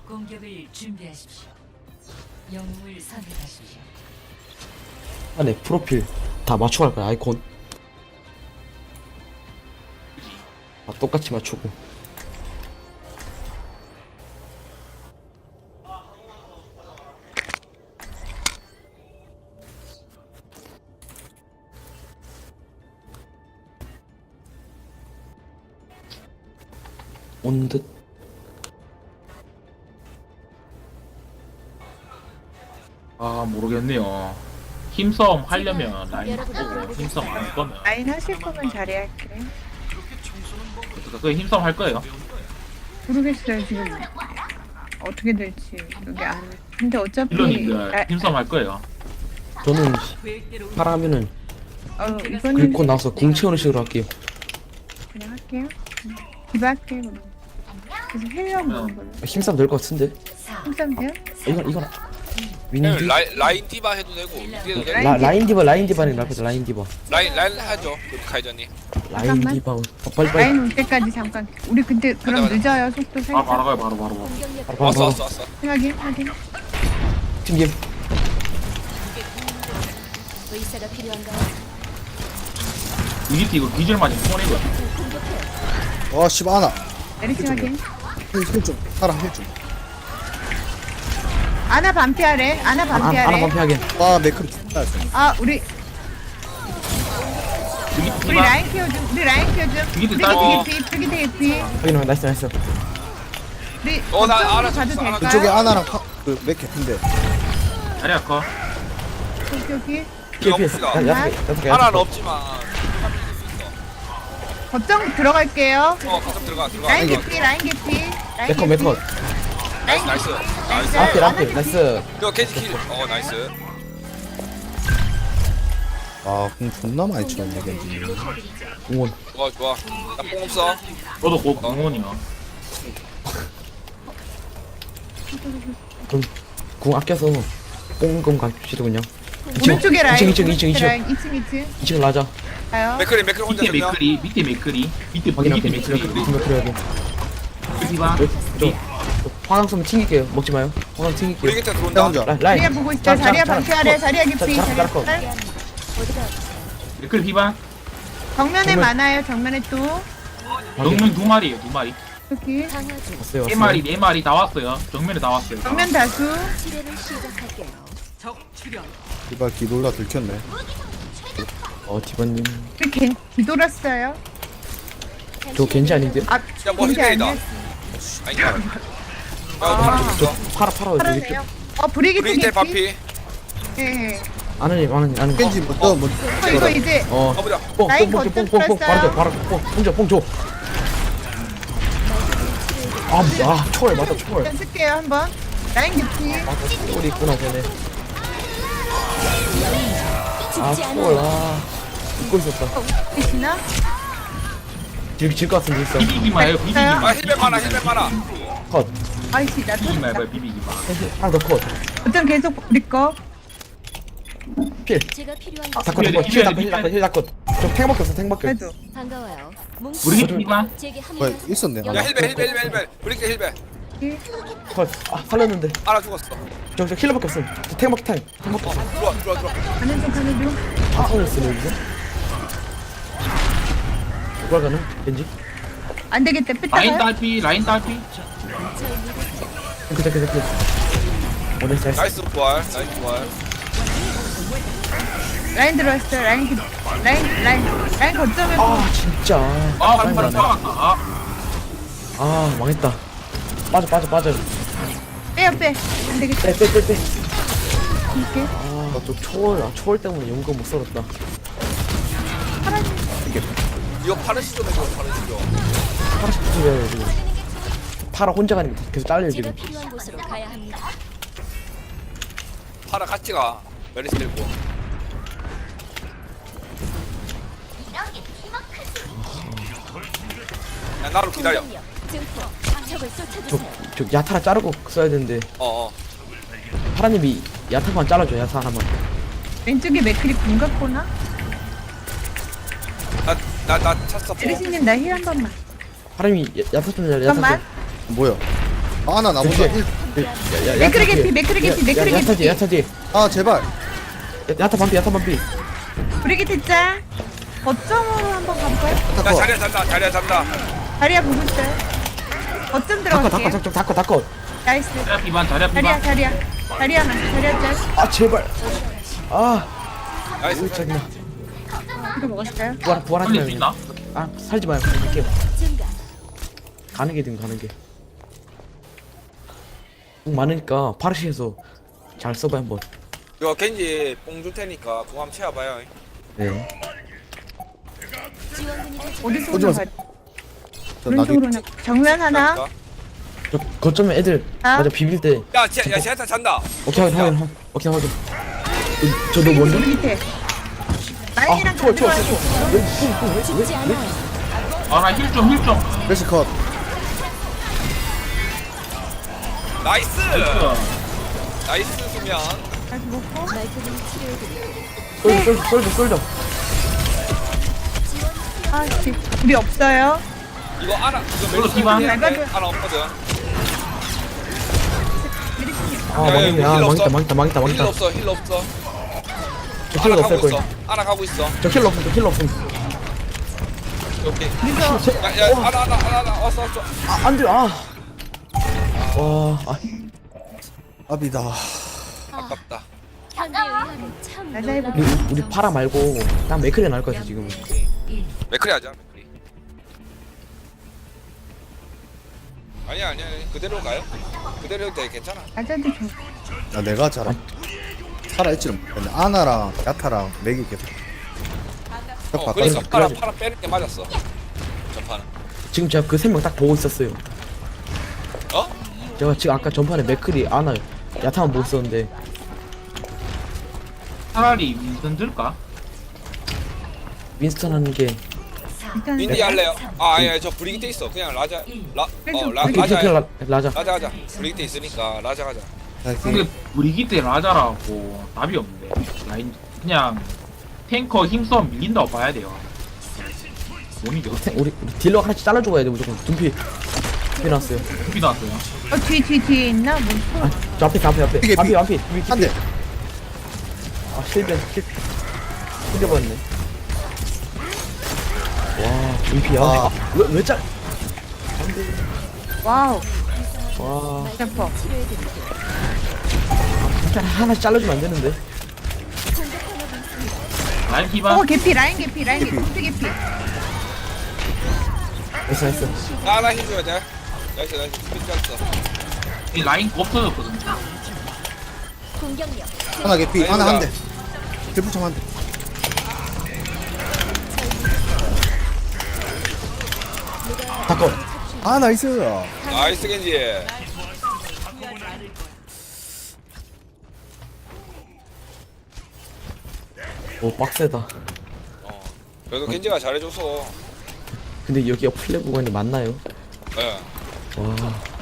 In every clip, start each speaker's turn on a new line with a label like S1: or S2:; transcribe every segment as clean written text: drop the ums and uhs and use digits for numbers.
S1: 공격을 준비하십시오. 영웅을 선택하십시오.
S2: 안에 프로필 다 맞춰갈 거야. 아이콘 다 똑같이 맞추고. 온 듯.
S3: 아 모르겠네요. 힘싸움 하려면 라인 보고 힘싸움 안 할 거면
S4: 라인 하실 거면 자리 할게.
S3: 그 힘싸움 할 거예요.
S4: 모르겠어요 지금 어떻게 될지 여기 안. 근데 어차피
S3: 힐러님들 힘싸움 할 거예요.
S2: 저는 파라하면은
S4: 이거는
S2: 긁고 나서 궁 채우는 식으로 할게요.
S4: 그냥 할게요. 디바 할게요. 그럼. 그래서 헬려 먹는 걸로.
S2: 힘싸움 될 것 같은데.
S4: 힘싸면 돼요?
S2: 이건 윈디.
S5: 라인 디바 해도 되고 어디해도 되고
S2: 라인 디바는 나쁘다. 라인 디바.
S5: 라인 하죠 그 카이저님.
S2: 라인
S4: 잠깐만.
S2: 디바. 빨리.
S4: 라인 올 때까지 잠깐. 우리 근데 그럼
S5: 맞아.
S4: 늦어요. 속도
S3: 바로
S4: 살짝.
S3: 가요 바로.
S5: 왔어
S2: 바로.
S5: 왔어
S4: 확인.
S2: 팀김.
S6: 의사가 필요한가요?
S3: 이기티 이거 기절 맞은 폰이거든.
S7: 아 씨발 아나
S4: 메리시 확인.
S7: 힐좀 사람 힐좀
S4: 아나 반피하래. 아나
S2: 하나
S4: 반피하래.
S2: 반피하게.
S7: 아 맥크리 죽다 했어
S4: 우리
S3: 이기티
S4: 우리 라인 키워줘. 우리 라인 키워줘.
S3: 이게
S4: 우리
S3: 딸-
S4: 되게 개피.
S2: 확인. 나이스.
S4: 우리
S5: 나
S4: 거점으로
S5: 알아서
S4: 가도
S5: 알아서.
S4: 될까요?
S7: 그쪽에 아나랑 그맥 개핀데
S3: 자리 아까
S4: 여기
S2: 피해.
S5: 봅시다.
S2: 여섯 개.
S5: 하나는 없지만
S4: 거점 들어갈게요.
S5: 가끔 들어가
S4: 라인
S5: 들어가.
S4: 개피. 라인 개피. 라인
S2: 메컷
S4: 개피.
S2: 메컷.
S5: 나이스
S2: 라필 나이스.
S5: 그거 겐지 나이스.
S7: 아공 존나 많이 치웠네 겐지
S2: 응원.
S5: 좋아 나뽕 없어.
S3: 저도 곧 공원이야.
S2: 그럼 궁 아껴서 뽕금 갑시다 그냥.
S4: 오른쪽에 라인.
S2: 2층.
S4: 오른쪽에 라인. 2층.
S2: 2층 라자.
S4: 가요.
S5: 맥크리 혼자
S3: 밑에
S5: 들려.
S3: 맥크리 밑에 맥크리 밑에
S2: 확인할게.
S3: 맥크리
S2: 그래야게.
S3: 디바
S2: 화강 쓰면 튕길게요. 먹지 마요. 화강
S5: 우리
S2: 튕길게요.
S5: 곁에
S7: 나
S5: 들어온다.
S7: 혼자
S2: 라인.
S4: 자리야 보고 있어. 자리야 반피하래. 자리야 개피. 자리야
S2: 거.
S4: 짤.
S3: 맥크리 디바
S4: 정면에
S2: 정면.
S4: 많아요. 정면에 또
S3: 정면 두 마리예요 두 마리.
S4: 여기
S6: 강화주
S2: 왔어요.
S3: 네 마리 네 마리 다 왔어요. 정면에 다 왔어요.
S4: 정면 다수.
S6: 치료를 시작할게요.
S7: 이발 기돌라 들켰네
S2: 디바님.
S4: 우리 뒤돌았어요.
S2: 저 겐지 아닌데?
S5: 뭐
S4: 겐지
S5: 힐베이다.
S4: 아니야?
S5: 아니야.
S2: 저 팔아 되게
S4: 팔았네요. 브리기트
S5: 브리기테
S4: 개피.
S5: 바피.
S4: 예.
S2: 아는.
S7: 겐지 뭐또
S4: 이거 이제
S5: 가보자.
S4: 라인 거점
S2: 뽕
S4: 뺐어요.
S2: 바로 뽕 줘. 초월 맞다 초월.
S4: 일단 쓸게요 한번. 라인 개피.
S2: 초월이 있구나 쟤네.
S6: 죽지
S2: 초월
S6: 않아요.
S2: 잊고 있었다.
S4: 계시나?
S2: 질것 같은데 있어.
S3: 비비기 마요 비비기 마.
S5: 힐베 많아.
S2: 컷.
S4: 아이씨 나
S3: 비비기
S4: 터졌다.
S3: 마요 비비기 마.
S2: 하나 더 컷.
S4: 어쩜 계속 우리 거.
S2: 필.
S6: 제가 필요한
S2: 다
S6: 곳
S2: 컷.
S3: 필.
S2: 힐 컷. 저 탱밖에 없어.
S4: 그래도
S6: 반가워요.
S3: 우리 디바
S6: 제게
S7: 뭐야
S6: 합류하세요.
S7: 있었네
S5: 야
S7: 하나
S5: 힐베. 브리기테 힐베.
S2: 컷. 살렸는데.
S5: 하나 죽었어.
S2: 저 힐러밖에 없어. 탱밖에 없어.
S5: 들어와.
S4: 가는 중.
S2: 살렸으네 이거. 누가 가나? 왠지?
S4: 안 되겠다.
S3: 라인
S4: 뺐다가.
S3: 딸피
S2: 그. 나이스.
S5: 나이스 부활.
S4: 라인 들어왔어요. 라인 거점에
S2: 진짜.
S3: 아 바로 들어갔다.
S2: 망했다. 빠져.
S4: 빼요 빼. 안 되겠다.
S2: 빼.
S4: 이렇게.
S2: 또 초월 때문에 용건 못 썰었다.
S5: 이거 파르시죠 이거 파르시죠.
S2: 파라시 부수려요 지금. 파라 혼자 가니까 계속 잘려요
S6: 제가
S2: 지금.
S6: 필요한 곳으로 가야 합니다.
S5: 파라 같이 가. 메리스 들고. 야 나로 기다려.
S6: 공격력 증폭. 적을 쫓아주세요.
S2: 저 야타라 자르고 써야 되는데 파라님이 야타만 잘라줘. 야타 하나만.
S4: 왼쪽에 맥클이 군 같구나.
S5: 나 찼어.
S4: 에리스님 나 힐 한 번만.
S2: 파라님이 야타 좀 잘라.
S4: 잠깐만.
S7: 뭐야 아나 나보다 일.
S4: 맥크리 개피, 맥크리 개피, 맥크리
S2: 야타지
S4: 개피.
S2: 야타지.
S7: 아 제발.
S2: 야타 반피 야타 반피.
S4: 브리기트 짤. 거점으로 한번 가볼까요?
S5: 야
S7: 닦어.
S5: 자리야 잔다 자리야 잔다.
S4: 다리야 보고 있어요. 거점 들어갈게요.
S2: 닦어.
S4: 나이스.
S3: 자리야 피반 자리야
S4: 다리야,
S3: 피반.
S4: 다리야 짤.
S2: 아 제발. 아
S5: 나이스.
S2: 짜증나.
S4: 이거 먹었어요?
S2: 부활하지
S3: 살릴 수 있나?
S2: 마요. 아 살지 마요. 갈게요.
S6: 증가.
S2: 가는 게든 가는 게. 많으니까 파르시에서 잘 써봐 한번.
S5: 이거 겐지 뽕 줄 테니까 공 한번 채워봐요.
S2: 네.
S6: 지원군이 도착.
S4: 어디서
S7: 오지
S4: 오는
S7: 마세요.
S4: 거야?
S7: 저 나비.
S4: 오른쪽으로 정면 하나.
S2: 저 거점에 애들
S4: 아?
S2: 맞아 비빌 때.
S5: 야 제타 잔다.
S2: 오케이 확인. 저도 먼저.
S4: 밑에. 라인이랑
S2: 추워.
S6: 죽지 않아요.
S3: 아나 힐좀
S7: 멜시 컷.
S5: 나이스. 나이스 수면.
S4: 다시 먹고.
S6: 말끔히 치료해드릴게요.
S2: 쏠져.
S4: 아, 씨. 우리 없어요.
S5: 이거 알아. 이거
S3: 이걸로
S5: 멜시
S3: 디바.
S5: 되는데 알아 없거든.
S2: 아 망했네. 아 망했다.
S5: 힐 없어 힐 없어.
S2: 저 킬러 없을
S5: 가고
S2: 거야.
S5: 있어. 알아 가고 있어.
S2: 저 킬러 없음.
S5: 오케이.
S4: 그래서
S5: 야야 알아 왔어.
S2: 아 안돼. 와.
S7: 아비다.
S5: 아깝다.
S6: 현대 의학은 참
S4: 맞아, 해볼게.
S6: 놀라운
S2: 우리 파라 말고 딱 맥크리 나올 것 같아 지금.
S5: 맥크리 하자. 맥크리. 아니야 그대로 가요. 그대로 해도 돼 괜찮아.
S4: 아자도 좋.
S7: 야 내가 잘 살아있지는 못했네. 아나랑 야타랑 맥이 계속. 딱
S5: 그러니까
S7: 바꿔서.
S5: 파라 빼는 게 맞았어. 전판은.
S2: 지금 제가 그 3명 딱 보고 있었어요.
S5: 어?
S2: 제가 지금 아까 전판에 맥크리 아나 야타만 보고 있었는데
S3: 차라리 윈선 들까?
S2: 윈스턴 하는 게
S4: 일단
S5: 윈디 할래요? 아 아니야 저 브리기테 있어. 그냥 라자
S2: 라자.
S5: 라자 가자. 브리기테 있으니까 라자 가자.
S3: 근데 브리기테 라자라고 답이 없는데 라인 그냥 탱커 힘싸움 밀린다고 봐야 돼요. 못 이겨.
S2: 우리 딜러 하나씩 잘라주고 가야 돼 무조건. 둔피 나왔어요.
S3: 두피 나왔어요.
S4: 뒤에 있나? 뭐.
S2: 아, 저 앞에
S7: 이게
S2: 앞에
S7: 한 대.
S2: 아 실패 흘려버렸네. 와 둔피야.
S7: 아.
S2: 왜 짤?
S4: 와우.
S2: 와
S4: 래퍼.
S6: 치료해드릴게요.
S2: 진짜 하나씩 잘라주면 안 되는데.
S3: 라인 피반.
S4: 개피, 라인 개피. 컴퓨 개피.
S2: 나이스.
S5: 하나 힘줘야 돼. 나이스 스피드 짰어.
S3: 이 라인 없어졌거든.
S6: 공격력.
S7: 하나 개피. 하나 한 대. 들부청 한 대.
S2: 닦어.
S7: 아 나이스.
S5: 나이스 겐지.
S2: 오 빡세다.
S5: 그래도 겐지가 잘해줘서.
S2: 근데 여기가 플레 구간이 맞나요?
S5: 예.
S2: 와.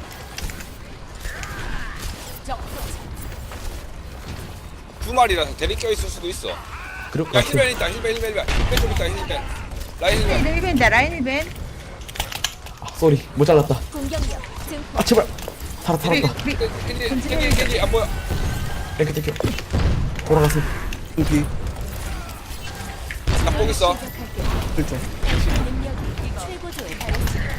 S5: 두 마리라서 대리 껴 있을 수도 있어.
S2: 그럴 것
S5: 야
S2: 같아.
S5: 힐벤 있다 힐벤 좀 있다 힐벤. 라인 힐벤.
S4: 라인 1벤.
S2: 아 쏘리 못 잘랐다.
S6: 공격력. 증폭.
S2: 아 제발. 살았다.
S5: 겐지 안 보여.
S2: 땡큐. 돌아가세요.
S7: 두피.
S5: 나폭 있어.
S7: 들좀.
S6: 능력이 최고조에 달했습니다.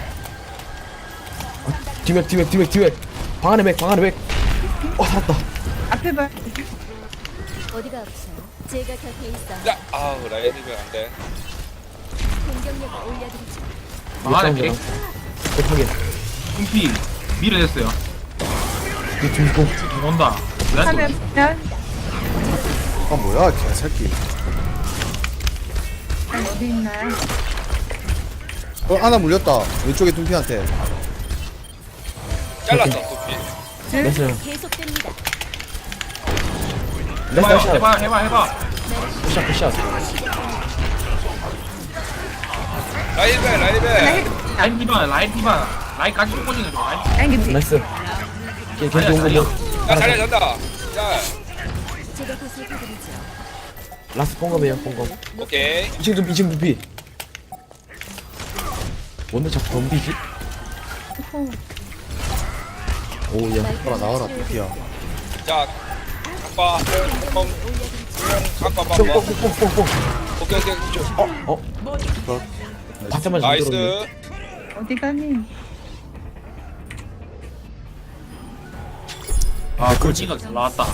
S2: 뒤맥. 방 안에 맥. 살았다.
S4: 앞에 봐.
S6: 어디가 아프세요? 제가 곁에 있어.
S5: 야 아우 라인 힐벤 안 돼.
S6: 공격력을 올려드리죠.
S3: 방안에 맥.
S2: 못하게.
S3: 두피 밀어냈어요.
S2: 이 중고.
S3: 온다.
S4: 하면
S7: 아 뭐야 개새끼.
S4: 어디 있나요?
S7: 아나 물렸다. 왼쪽에 둔피한테.
S5: 잘랐어 두피.
S2: 나이스.
S6: 계속됩니다.
S3: 해봐.
S2: 샷.
S5: 라인 힐벤.
S3: 라인 피반. 라인까지 꽂는 거 라인.
S4: 라인 개피.
S2: 나이스. 걔 좋은 거 뭐.
S5: 야 자리야 잔다. 자
S6: 제가 보살펴드리죠.
S2: 라스 뽕검이에요 뽕검.
S5: 오케이.
S2: 2층 두피. 뭔데 자꾸 덤비지? 오야
S7: 나와라 나와라 삐야.
S5: 자 각봐 뽕 각봐 봐봐
S2: 뽕뽕뽕뽕뽕
S5: 오케이 쭉.
S2: 받자마자
S5: 나이스.
S4: 어디 가니?
S3: 아 꼴찌가 잘 나왔다.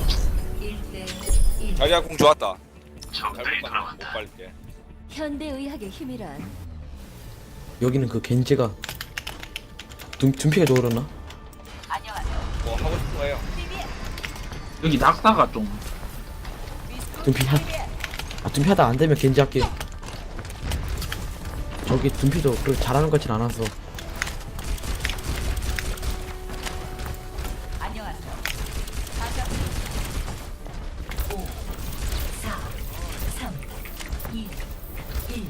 S1: 1대1.
S5: 자리야 공 좋았다. 잘못 봤다. 못 빨게.
S6: 현대의학의 힘이란
S2: 여기는 그 겐지가 둔피가 좋으려나?
S5: 뭐 하고 싶은 거예요?
S3: 여기 낙사가 좀
S2: 둔피 둔피 하다 안 되면 겐지 할게. 저기 둔피도 그렇게 잘하는 것 같진 않아서.
S1: 안녕하세요. 5, 4, 3, 2, 1.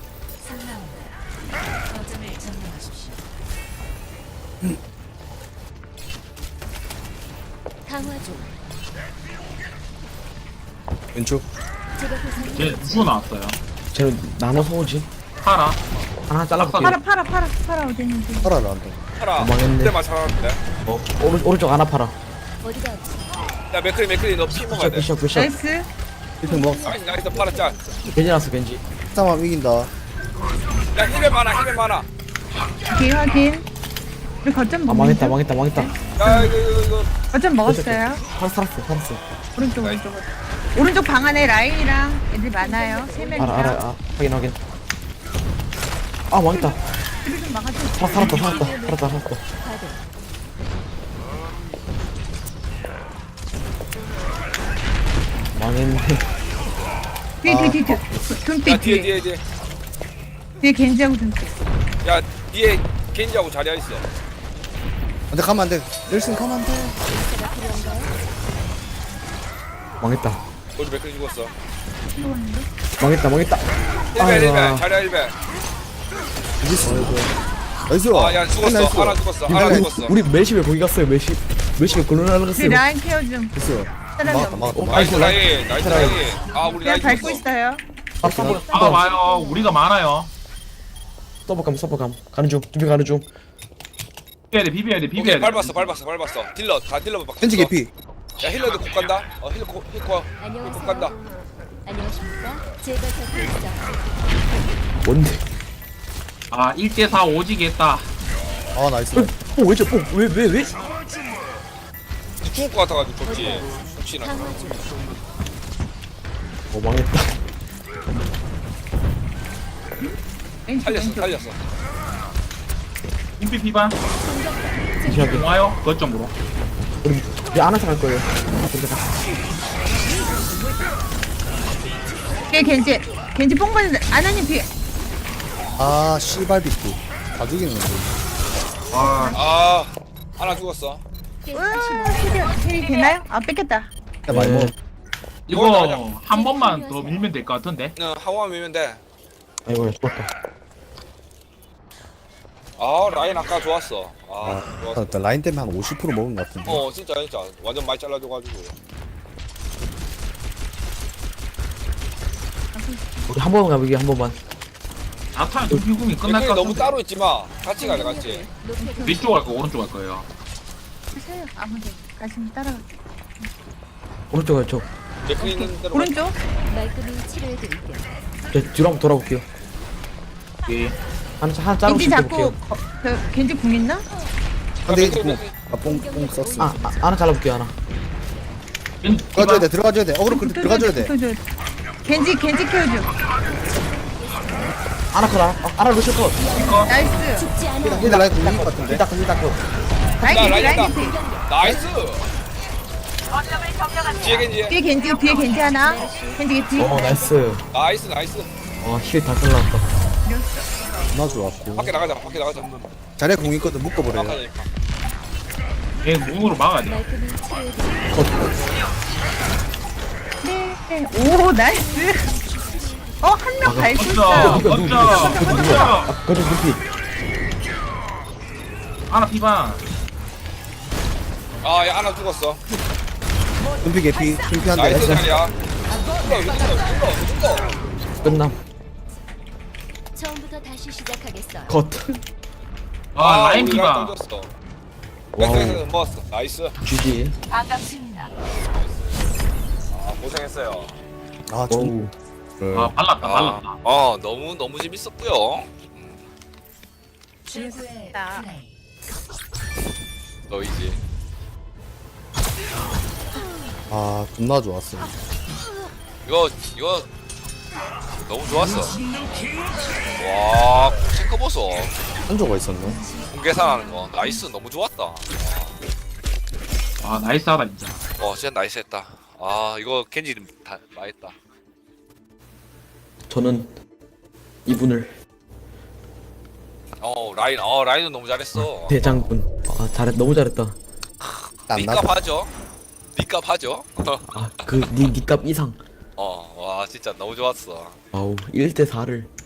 S1: 3라운드. 거점을 점령하십시오.
S6: 강화 중.
S7: 왼쪽.
S6: 제가 보살펴
S3: 쟤 누구 나왔어요?
S2: 쟤는 나눠서 오지.
S3: 파라.
S2: 하나 잘라볼게.
S4: 팔아 어디 있는지.
S7: 팔아라 한다.
S5: 하라.
S2: 망했네.
S5: 그때만 살았는데.
S2: 오른쪽 하나 팔아.
S6: 어디가 아프세요?
S5: 야 맥크리 너 피 먹어야 돼.
S2: 부셔.
S4: 나이스.
S7: 1등 먹었어.
S5: 나이스 파라 짤.
S2: 겐지 났어 겐지.
S7: 싸움 이긴다.
S5: 야 힐에 많아.
S4: 오케이 확인. 우리 거점
S2: 아
S4: 먹는
S2: 망했다.
S5: 야 이거.
S4: 거점 먹었어요.
S2: 살았어.
S4: 오른쪽. 오른쪽 방 안에 라인이랑 애들 많아요. 3명이랑.
S2: 알아. 확인. 아 망했다.
S4: 좀 막아줘.
S2: 살았다.
S6: 가동.
S2: 망했네.
S4: 뒤에.
S5: 야 뒤에.
S4: 뒤에 겐지하고 둠피.
S5: 야 뒤에 겐지하고 자리야 있어.
S7: 안돼 가면 안돼. nel슨 가면 안돼.
S6: 제가 필요한가요?
S2: 망했다.
S5: 우리 맥크리 죽었어.
S2: 망했다.
S5: 1배 자리야 1배.
S7: 나이스.
S5: 아야 죽었어. 하나 죽었어.
S2: 우리 멜시 왜 거기 갔어요? 멜시 왜 굴러나
S4: 우리
S2: 그랬어요?
S4: 라인 케어 좀.
S7: 됐어.
S4: 사람이
S7: 막았다
S4: 없어.
S7: 막았다.
S5: 나이스 라인. 아 우리
S4: 그냥
S5: 라인
S4: 밟고
S5: 죽었어.
S4: 있어요.
S3: 막아봐요. 우리가 많아요.
S2: 서버감 가는 중. 준비 가는 중.
S3: 비벼야 돼.
S5: 오케이 밟았어. 딜러 다 딜러 막.
S7: 겐지 개피.
S5: 야 힐러도 곧 간다. 힐러 곧
S6: 안녕하세요.
S5: 간다.
S6: 안녕하십니까? 제가 곁에 있어.
S2: 뭔데?
S3: 아 1대4 오지게 했다.
S7: 아 나이스.
S2: 왜?
S5: 죽을 것 같아가지고 좋지. 혹시나.
S6: 강화 중.
S2: 망했다.
S5: 살렸어.
S3: 인피 피반.
S2: 잠시만요.
S3: 와요. 거점으로.
S2: 우리 안아서 갈 거예요.
S4: 뒤에 겐지 뽕 받는 아나님 뒤에.
S7: 아 씨발 비트. 다 죽이는데.
S3: 와.
S5: 하나 죽었어.
S4: 힐이 되나요? 아 뺏겼다.
S7: 야 많이 먹.
S3: 이거 한 번만 더 밀면 될 것 같은데.
S5: 하고만 밀면 돼.
S2: 아이고 죽었다.
S5: 아 라인 아까 좋았어. 좋았어.
S7: 나 라인 때문에 한 50% 먹은 것 같은데.
S5: 진짜 완전 많이 잘라줘가지고.
S2: 우리 한 번만 가보기 한 번만.
S3: 나타면 도피궁이 끝날
S5: 맥크리
S3: 것
S5: 너무
S3: 같은데.
S5: 따로 있지 마. 같이 가자 같이.
S6: 높게
S3: 왼쪽 갈 거, 오른쪽 갈 거예요.
S4: 하세요. 아무데 가시면 따라가.
S2: 오른쪽 왼쪽.
S5: 맥크리 있는 대로.
S4: 오른쪽.
S6: 말끔히 치료해 드릴게요.
S2: 저 뒤로 한번 돌아볼게요.
S3: 예.
S2: 하나
S4: 겐지
S2: 자르고
S4: 잡고
S2: 볼게요.
S4: 겐지 궁 있나?
S7: 한대
S5: 맥크리.
S7: 뽕 썼어.
S2: 하나 잘라볼게요 하나.
S7: 들어가줘야 돼. 들어가줘야 돼. 어그로 들어가줘야 돼.
S4: 붙어줘야 돼. 겐지 케어줘.
S2: 하나 컷 하나 루시 컷.
S4: 나이스.
S6: 죽지 않아.
S7: 얘들 라인 굴린 것 같은데.
S2: 일단 컷.
S4: 라인 겐지.
S5: 나이스. 뒤에 겐지.
S4: 뒤에 겐지 하나. 겐지 개피.
S2: 나이스.
S5: 나이스.
S2: 힐다 잘라왔다.
S7: 나 좋았고.
S5: 밖에 나가자.
S7: 자리에 공 있거든 묶어버려.
S5: 막하니까.
S3: 얘 몸으로 막아야 돼.
S6: 말끔히 치료해 드릴게요.
S4: 네. 오 나이스. 한 명 밟고 있어요.
S3: 걷자.
S2: 거저 눈피.
S3: 하나 피반.
S5: 야 하나 죽었어.
S7: 눈피 개피. 눈피 한
S5: 나이스
S7: 대.
S5: 자리야. 죽어.
S2: 끝남.
S6: 처음부터 다시 시작하겠어요.
S2: 컷.
S3: 라인
S5: 우리
S3: 피반.
S5: 떨어졌어. 백스에서 먹었어. 나이스.
S2: GG.
S1: 반갑습니다.
S5: 아, 고생했어요.
S7: 아,
S2: 어우.
S3: 아 발랐다 발랐다.
S5: 너무 재밌었고요.
S1: 최고의 플레이.
S5: 너희지.
S7: 아, 존나 좋았어.
S5: 이거 너무 좋았어. 와, 체크 보소.
S7: 한조가 있었네.
S5: 공개산하는 거 나이스. 너무 좋았다.
S3: 아 나이스하다 진짜.
S5: 진짜 나이스했다. 아, 이거 겐지 다 나했다.
S2: 저는 이분을
S5: 라인은 너무 잘했어.
S2: 대장군. 아 잘했 너무 잘했다.
S5: 니값 하죠. 니값 하죠.
S2: 아그 니값 이상.
S5: 와, 진짜 너무 좋았어.
S2: 아우 1대 4를